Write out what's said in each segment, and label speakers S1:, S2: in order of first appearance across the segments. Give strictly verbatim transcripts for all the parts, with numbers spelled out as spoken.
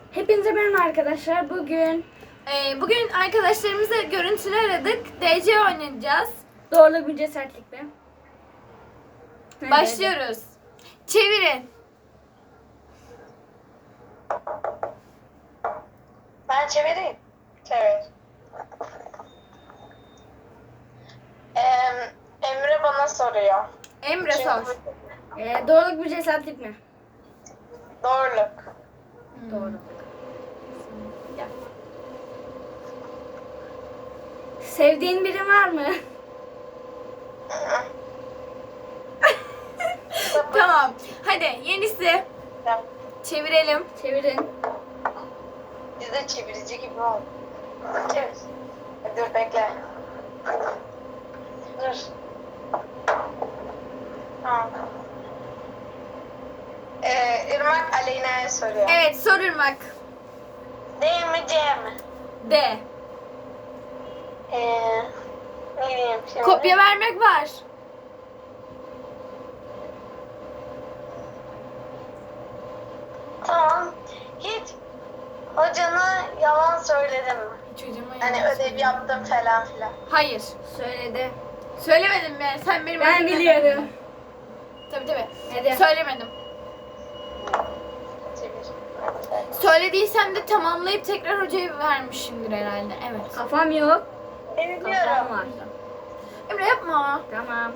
S1: Hepinize merhaba arkadaşlar. Bugün
S2: Ee, bugün arkadaşlarımızla görüntülü aradık. D C oynayacağız.
S1: doğruluk bir cesaretlik mi?
S2: Başlıyoruz. Çevirin.
S3: Ben çevireyim. Çevir. Ee, Emre bana soruyor.
S2: Emre sor.
S1: Ee, doğruluk bir cesaretlik mi?
S3: Doğruluk.
S1: Doğruluk. Gel. Sevdiğin biri var mı?
S2: Tamam. Hadi yenisi. Çevirelim.
S1: Çevirin.
S3: Biz de çevirici gibi ol. Çevir. Dur bekle. Dur. Tamam. Ee, Irmak Aleyna'ya soruyor.
S2: Evet, sor Irmak.
S3: D mi C mi?
S2: D.
S3: Ee, ne diyeyim şimdi?
S2: Kopya vermek var.
S3: Tamam. Hiç hocana yalan söyledin mi?
S2: Hiç hocama
S3: Hani
S2: yalan
S3: ödev
S2: söyleme.
S3: yaptım falan filan.
S2: Hayır.
S1: Söyledi.
S2: Söylemedim mi? Sen benim
S1: Ben
S2: önümde-
S1: biliyorum.
S2: Tabii tabii.
S1: Hadi.
S2: Söylemedim.
S3: Çevir.
S2: Söylediysem de tamamlayıp tekrar hocaya vermişimdir herhalde. Evet.
S1: Kafam yok. Kafam
S3: Biliyorum.
S1: var.
S2: Emre yapma.
S1: Tamam.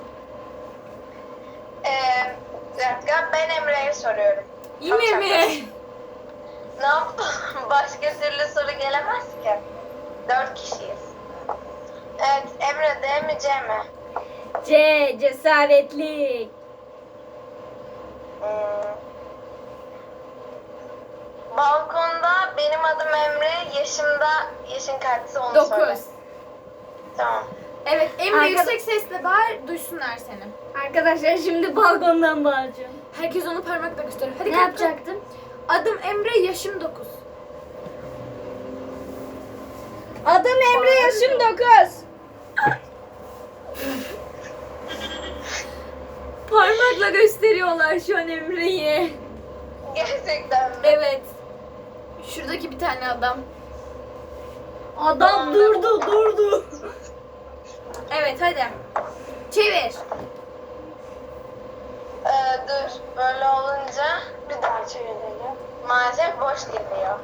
S3: Ee, bir dakika ben Emre'ye soruyorum.
S2: Yine
S3: Tamam,
S2: mi?
S3: Ne yaptın? Başka türlü soru gelemez ki. Dört kişiyiz. Evet Emre D mi C mi?
S1: C. Cesaretlik.
S3: Hmm. Balkonda benim adım Emre, yaşımda yaşın kaçsa onu söyle.
S2: Dokuz.
S3: Tamam.
S2: Evet, Emre
S1: Arka-
S2: yüksek sesle bağır, duysunlar seni.
S1: Arkadaşlar şimdi balkondan bağıracağım.
S2: Herkes onu parmakla gösteriyor. Hadi
S1: Ne
S2: kalk,
S1: yapacaktım?
S2: kalk. Adım Emre, yaşım dokuz.
S1: Adım Emre, yaşım dokuz.
S2: Parmakla gösteriyorlar şu an Emre'yi.
S3: Gerçekten mi?
S2: Evet. Şuradaki bir tane adam.
S1: Adam durdu durdu.
S2: Evet, hadi. Çevir.
S3: Ee, dur, böyle olunca bir daha çevirelim. Maalesef boş geliyor.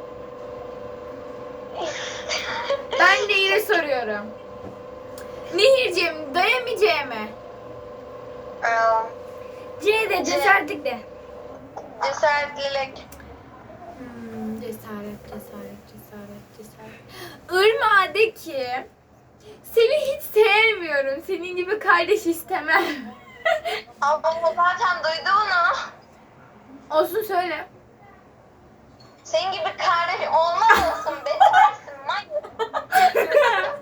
S2: Ben de yine soruyorum. Nehirciğim, dayamayacağım mı?
S3: Ee,
S1: C de cesaretlik de.
S3: Cesaretlilik.
S2: Hmm, cesaret, cesaret, cesaret, cesaret. Irmağa de ki, seni hiç sevmiyorum. Senin gibi kardeş istemem.
S3: Ama o zaten duydu onu.
S2: Olsun söyle.
S3: Senin gibi kardeş olmaz olsun. Betersin manyak.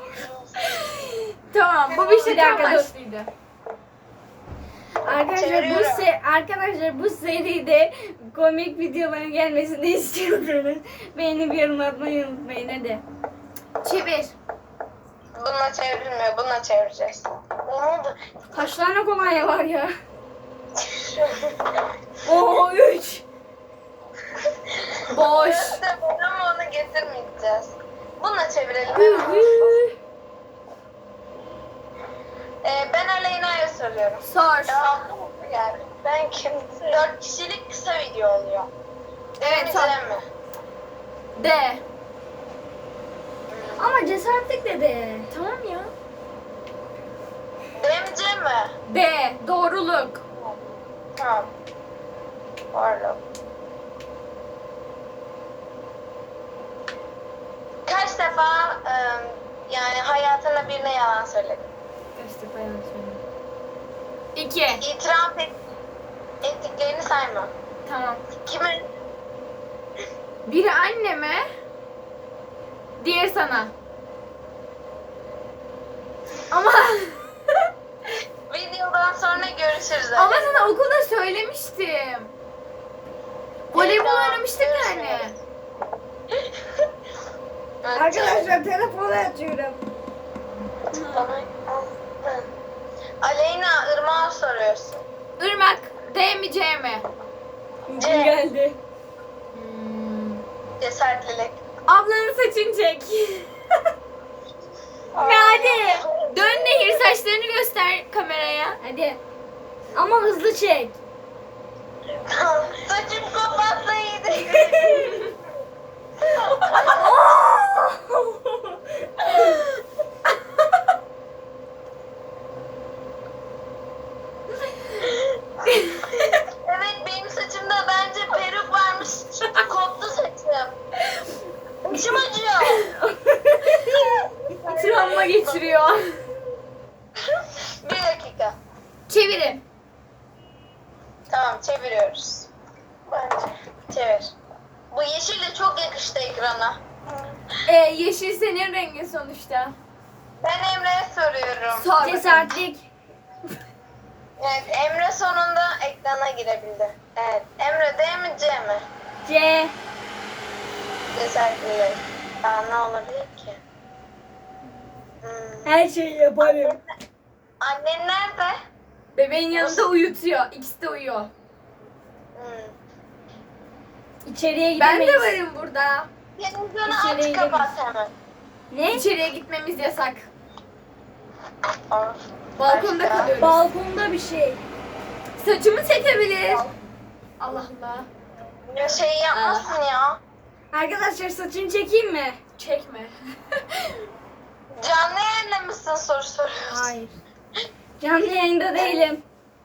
S2: Tamam, bu bir
S1: Bir
S2: şaka
S1: dakika, dur.
S2: amaçlıydı.
S1: Arkadaşlar bu
S3: Çeviriyorum.
S1: se arkadaşlar bu seride komik videoların gelmesini istiyorsanız beğenip yorum atmayı unutmayın hadi.
S2: Çevir.
S3: Bununla çevrilmiyor, bununla çevireceğiz. Ne oldu?
S1: Kaç tane kolonya var ya? Oo üç.
S2: Boş.
S3: İşte ama onu getirmeyeceğiz. Bununla çevirelim
S1: Hı
S3: hemen.
S1: hı.
S3: Ee, ben Aleyna'ya soruyorum.
S2: Sor.
S3: Ya, yani ben kim? Dört kişilik kısa video oluyor.
S2: Evet,
S3: mi,
S2: sor.
S3: C mi?
S2: De.
S1: Ama cesaretlik dedi.
S2: Tamam ya.
S3: D mi, C mi?
S2: De. Doğruluk.
S3: Tamam. Pardon. Kaç defa ıı, yani hayatında birine yalan söyledin?
S2: Kaç defa yalan söyledim? İki.
S3: İtiraf et, ettiklerini sayma.
S2: Tamam.
S3: Kimin?
S2: Biri anneme, diğer sana. Ama
S3: Videodan sonra görüşürüz.
S2: ama
S3: Aleyna.
S2: sana okulda söylemiştim. Voleybol
S3: Tamam,
S2: oynamıştık yani.
S3: görüşürüz. Evet,
S1: Arkadaşlar telefonu açıyorum.
S3: bana- Aleyna, Irmak'a soruyorsun.
S2: Irmak, D mi C mi?
S3: C.
S1: Geldi.
S2: Hmm.
S3: Cesaretlilik.
S2: Ablanın saçını çek. Ve hadi. Dön Nehir, saçlarını göster kameraya.
S1: Hadi. Ama hızlı çek.
S3: Saçım kopmazsa iyiydi. Evet, benim saçımda bence peruk varmış. Koptu saçım. Başım acıyor.
S2: Travma geçiriyor.
S3: Bir dakika.
S2: Çevirin.
S3: Tamam, çeviriyoruz. Bence. Çevir. Bu yeşil de çok yakıştı ekrana.
S2: Ee, yeşil senin rengin sonuçta.
S3: Ben Emre'ye soruyorum.
S2: Sor bakalım.
S1: Cesaretlik.
S3: Evet, Emre sonunda ekrana girebildi. Evet, Emre D mi C mi?
S1: C.
S3: Cesaretli. Daha ne olabilir ki? Hmm.
S1: Her şeyi yaparım.
S3: Annen nerede?
S2: Bebeğin yanında uyutuyor. İkisi de uyuyor.
S3: Hmm.
S1: İçeriye
S2: Ben
S1: gidemeyiz.
S2: de varım burada.
S3: Televizyonu
S1: İçeriye
S3: aç kapat hemen.
S1: Ne?
S2: İçeriye gitmemiz yasak.
S3: Of.
S2: Balkonda
S3: Başka?
S2: kalıyoruz.
S1: Balkonda bir şey.
S2: Saçımı çekebilir. Allah Allah.
S3: Ya şey yapmasın ya.
S1: Arkadaşlar saçını çekeyim mi?
S2: Çekme.
S3: Canlı yayında mısın soru soruyorsun?
S1: Hayır. Canlı yayında değilim.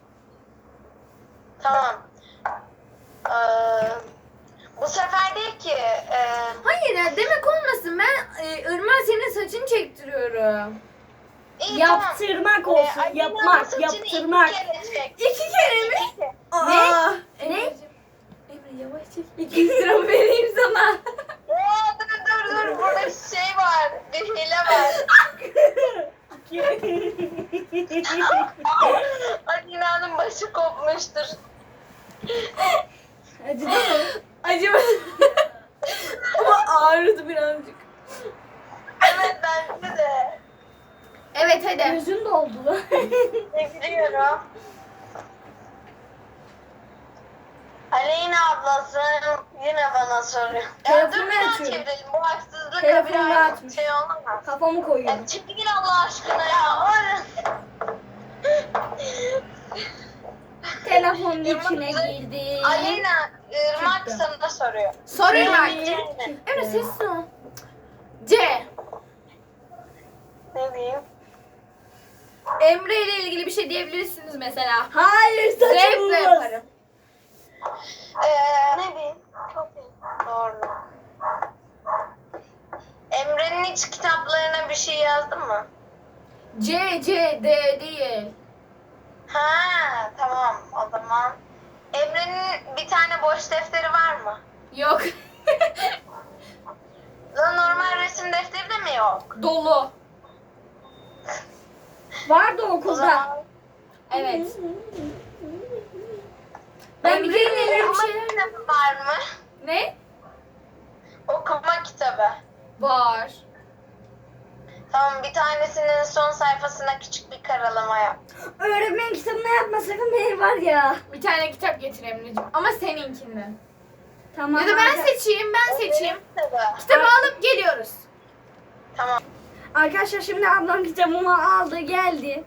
S3: Tamam. Ee, bu sefer değil ki. E,
S2: Hayır ya, demek olmasın. Ben e, Irmak senin saçını çektiriyorum.
S3: iyi,
S1: Yaptırmak
S3: tamam.
S1: olsun.
S3: Ee, Ali'nin
S1: Yapmak,
S3: saçını
S1: yaptırmak.
S3: iki kere çek.
S2: İki kere mi?
S3: İki kere.
S2: Aa,
S1: Ne?
S2: Emre yavaş çek. İki yüz lira mı vereyim sana?
S3: Oo, dur dur dur, burada bir şey var. Bir hile var. Alina'nın başı kopmuştur.
S1: Acıdı mı?
S2: Acaba ama ağrıdı birazcık.
S3: Evet, bence de.
S2: Evet hadi.
S1: Gözün doldu.
S3: Ne biliyorum. Aleyna ablası yine bana soruyor. Ya dur,
S1: Telefonu
S3: bir daha
S1: açıyorum.
S3: çevirelim. Bu haksızlık
S1: Telefonu
S3: bir
S1: dağıtmış.
S3: şey olamaz.
S1: Kafamı koyuyorum.
S3: Ya çekil Allah aşkına ya.
S1: Telefonun içine girdi.
S3: Aleyna, Irmak
S1: Çıktı.
S3: sana soruyor.
S2: Sor Irmak.
S3: Çıktı.
S2: Emre sessiz ol. C.
S3: Ne diyeyim?
S2: Emre ile ilgili bir şey diyebilirsiniz mesela.
S1: Hayır saçım
S2: Zevkle
S1: olmaz.
S2: yaparım.
S3: Ee, ne diyeyim? Çok iyi. Doğru. Emre'nin hiç kitaplarına bir şey yazdın mı?
S2: C, C, D değil.
S3: Ha, tamam o zaman. Emre'nin bir tane boş defteri var mı?
S2: Yok.
S3: Lan normal resim defteri de mi yok?
S2: Dolu.
S1: Vardı
S3: O
S1: okulda.
S3: zaman
S2: Evet.
S1: Ben
S2: Emre'nin
S1: bir-
S2: ile ilgili bir
S3: okuma
S2: şeyler...
S3: kitabı var mı?
S2: Ne?
S3: Okuma kitabı.
S2: Var.
S3: Tamam, bir tanesinin son sayfasına küçük bir karalama yap.
S1: Öğretmen kitabına yapma sakın beni var ya.
S2: Bir tane kitap getir Emre'ciğim. Ama seninkinden.
S1: Tamam.
S2: Ya da ben
S1: arka-
S2: seçeyim, ben seçeyim.
S3: Kitabı.
S2: Kitabı alıp geliyoruz.
S3: Tamam.
S1: Arkadaşlar şimdi ablam kitabımı aldı geldi.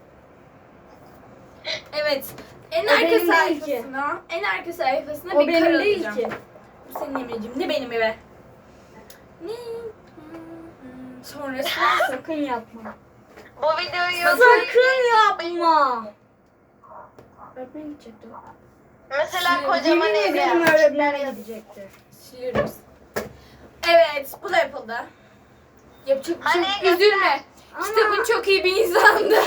S2: Evet. En
S1: O
S2: arka
S1: benim değil ki.
S2: sayfasına, en arka sayfasına
S1: O
S2: bir
S1: benim
S2: karalayacağım.
S1: değil ki.
S2: Bu senin Emre'ciğim, ne benim eve. Ne? Sonrası.
S1: Sakın yapma.
S3: Bu videoyu
S1: Sakın yapma. Öğretmen gidecekti.
S3: mesela kocaman
S1: Yemin
S3: ev
S1: ederim
S3: yap.
S1: öğretmene gidecekti.
S2: Siliyoruz. Evet, bu da yapıldı. Yapacak bir şey yok.
S3: Hani
S2: Üzülme.
S1: Ama-
S2: Kitabın çok iyi bir insandı.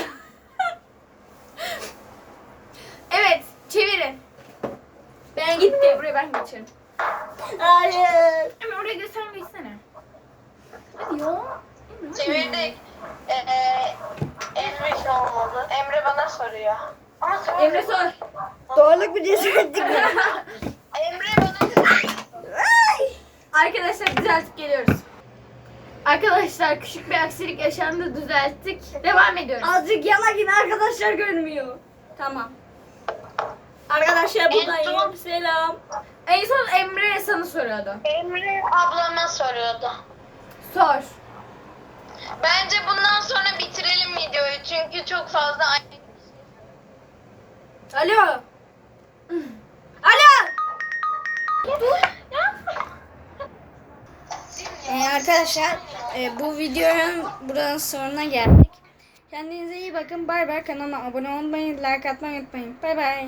S2: Evet, çevirin. Ben gitti. Buraya ben geçerim.
S1: Hayır.
S2: Emre oraya da sen geçsene. Hadi ya. Emre, hadi.
S3: Çevirdik. Ee, Emre hiç olmadı. Emre bana soruyor. Ama sonra
S2: Emre sor.
S1: Doğruluk bir cesaretlik mi?
S3: Emre bana
S2: Arkadaşlar düzeltip geliyoruz. Arkadaşlar küçük bir aksilik yaşandı, düzelttik. Devam ediyoruz.
S1: Azıcık yana git arkadaşlar görmüyor. Tamam. Arkadaşlar buradayım.
S3: son-
S1: Selam.
S2: En son Emre sana soruyordu.
S3: Emre ablama soruyordu.
S2: Sor.
S3: Bence bundan sonra bitirelim videoyu çünkü çok fazla
S2: Alo. Alo.
S1: Ee, arkadaşlar e, bu videonun buranın sonuna geldik. Kendinize iyi bakın. Bay bay. Kanalıma abone olmayı, like atmayı unutmayın. Bay bay.